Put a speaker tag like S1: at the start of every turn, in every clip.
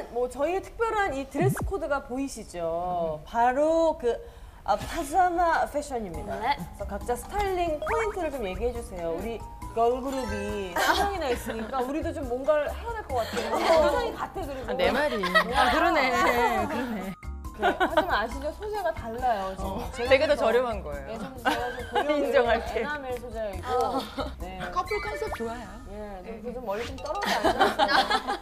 S1: 뭐 저희의 특별한 이 드레스 코드가 보이시죠? 바로 그 파자마 패션입니다.
S2: 네.
S1: 그래서 각자 스타일링 포인트를 좀 얘기해 주세요. 우리 걸그룹이 3명이나 있으니까 우리도 좀 뭔가를 해야 될 것 같아요. 상상이 같아 그리고.
S3: 내 말이. 그러네. 그러네.
S1: 네, 하지만 아시죠? 소재가 달라요. 지금.
S3: 되게 더 저렴한 거예요.
S1: 예, 제가 좀 고려를
S3: 인정할게.
S1: 에나멜 소재이고. 네.
S3: 커플 컨셉 좋아요.
S1: 예, 좀 멀리 좀 떨어져 앉아.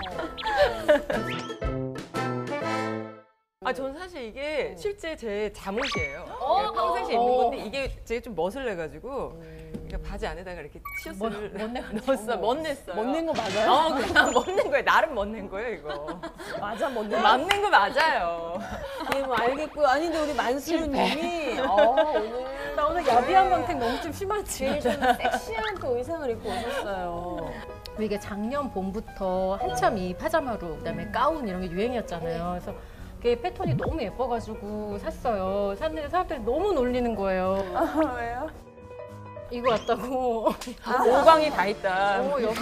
S3: 저는 사실 이게 실제 제 잠옷이에요. 평상시에 입는 건데 이게 제가 좀 멋을 내가지고 그러니까 바지 안에다가 이렇게 티셔츠를 넣었어. 멋냈어요.
S1: 멋낸 거 맞아요?
S3: 그냥 멋낸 거예요. 나름 멋낸 거예요, 이거.
S1: 맞아, 멋낸 거.
S3: 맞는 거 맞아요.
S1: 예, 뭐 알겠고요. 아니, 근데 우리 만수르님이 오늘.
S4: 나 오늘 야비한 광택 너무 좀 심하지.
S1: 제일 좀 섹시한 또 의상을 입고 오셨어요.
S4: 이게 작년 봄부터 한참 이 파자마룩, 그다음에 가운 이런 게 유행이었잖아요. 그래서 이게 패턴이 너무 예뻐가지고 샀어요. 샀는데 사람들이 너무 놀리는 거예요.
S1: 왜요?
S4: 이거 같다고.
S3: 오광이 다 있다.
S4: 여기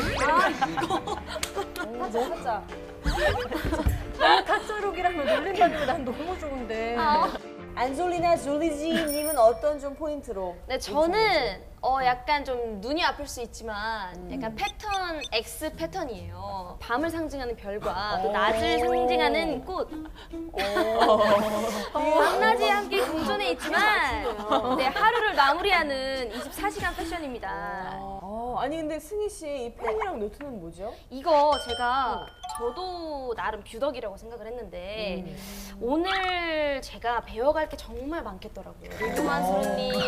S1: 살짝.
S4: 너무 타짜룩이라면 놀린다는데 난 너무 좋은데.
S1: 안졸리나 졸리지님은 어떤 좀 포인트로?
S2: 네, 저는 약간 좀 눈이 아플 수 있지만 약간 패턴 X 패턴이에요. 밤을 상징하는 별과 또 낮을 상징하는 꽃. 밤낮이 함께 공존해 있지만 네, 하루를 마무리하는 24시간 패션입니다.
S1: 아니 근데 승희 씨 이 펜이랑 노트는 뭐죠?
S2: 이거 제가 저도 나름 뷰덕이라고 생각을 했는데 오늘 제가 배워갈 게 정말 많겠더라고요.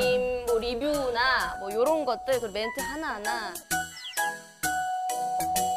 S2: 리뷰만수르님 뭐 리뷰나 뭐 이런 것들, 그 멘트 하나하나.